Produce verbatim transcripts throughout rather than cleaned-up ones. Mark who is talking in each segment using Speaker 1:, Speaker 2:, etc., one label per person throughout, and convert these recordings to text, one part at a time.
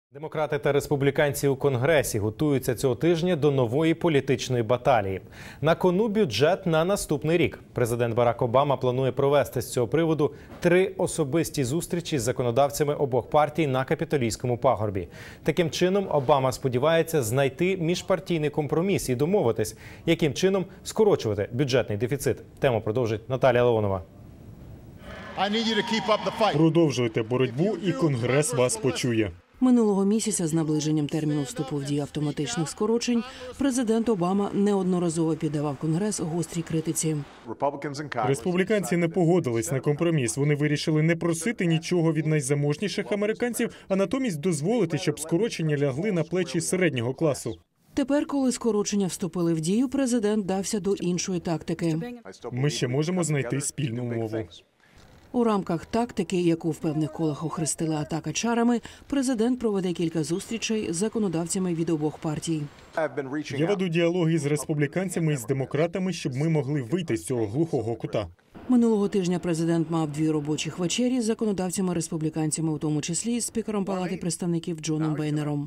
Speaker 1: Демократи та республіканці у Конгресі готуються цього тижня до нової політичної баталії. На кону бюджет на наступний рік. Президент Барак Обама планує провести з цього приводу три особисті зустрічі з законодавцями обох партій на Капітолійському пагорбі. Таким чином, Обама сподівається знайти міжпартійний компроміс і домовитись, яким чином скорочувати бюджетний дефіцит. Тему продовжить Наталія Леонова.
Speaker 2: Продовжуйте боротьбу, і Конгрес вас почує.
Speaker 3: Минулого місяця з наближенням терміну вступу в дію автоматичних скорочень президент Обама неодноразово піддавав Конгрес гострій критиці.
Speaker 2: Республіканці не погодились на компроміс. Вони вирішили не просити нічого від найзаможніших американців, а натомість дозволити, щоб скорочення лягли на плечі середнього класу.
Speaker 3: Тепер, коли скорочення вступили в дію, президент дався до іншої тактики.
Speaker 2: Ми ще можемо знайти спільну мову.
Speaker 3: У рамках тактики, яку в певних колах охрестили атака чарами, президент проведе кілька зустрічей з законодавцями від обох партій.
Speaker 2: Я веду діалоги з республіканцями і з демократами, щоб ми могли вийти з цього глухого кута.
Speaker 3: Минулого тижня президент мав дві робочих вечері з законодавцями-республіканцями, у тому числі з спікером Палати представників Джоном Бейнером.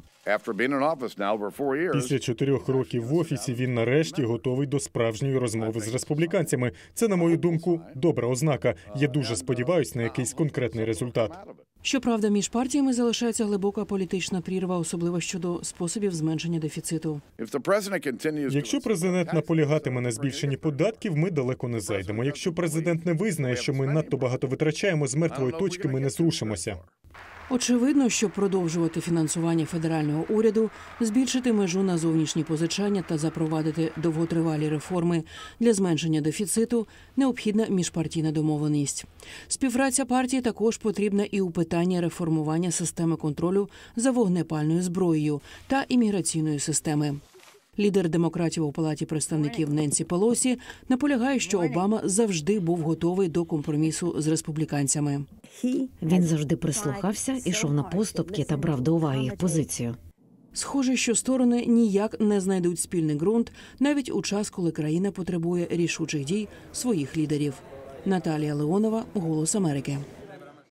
Speaker 2: Після чотирьох років в офісі він нарешті готовий до справжньої розмови з республіканцями. Це, на мою думку, добра ознака. Я дуже сподіваюся на якийсь конкретний результат.
Speaker 3: Щоправда, між партіями залишається глибока політична прірва, особливо щодо способів зменшення дефіциту.
Speaker 2: Якщо президент наполягатиме на збільшенні податків, ми далеко не зайдемо. Якщо президент не визнає, що ми надто багато витрачаємо, з мертвої точки ми не зрушимося.
Speaker 3: Очевидно, щоб продовжувати фінансування федерального уряду, збільшити межу на зовнішні позичання та запровадити довготривалі реформи для зменшення дефіциту, необхідна міжпартійна домовленість. Співпраця партії також потрібна і у питанні реформування системи контролю за вогнепальною зброєю та імміграційної системи. Лідер демократів у Палаті представників Ненсі Пелосі наполягає, що Обама завжди був готовий до компромісу з республіканцями.
Speaker 4: Він завжди прислухався, ішов на поступки та брав до уваги їх позицію.
Speaker 3: Схоже, що сторони ніяк не знайдуть спільний ґрунт, навіть у час, коли країна потребує рішучих дій своїх лідерів. Наталія Леонова, «Голос Америки».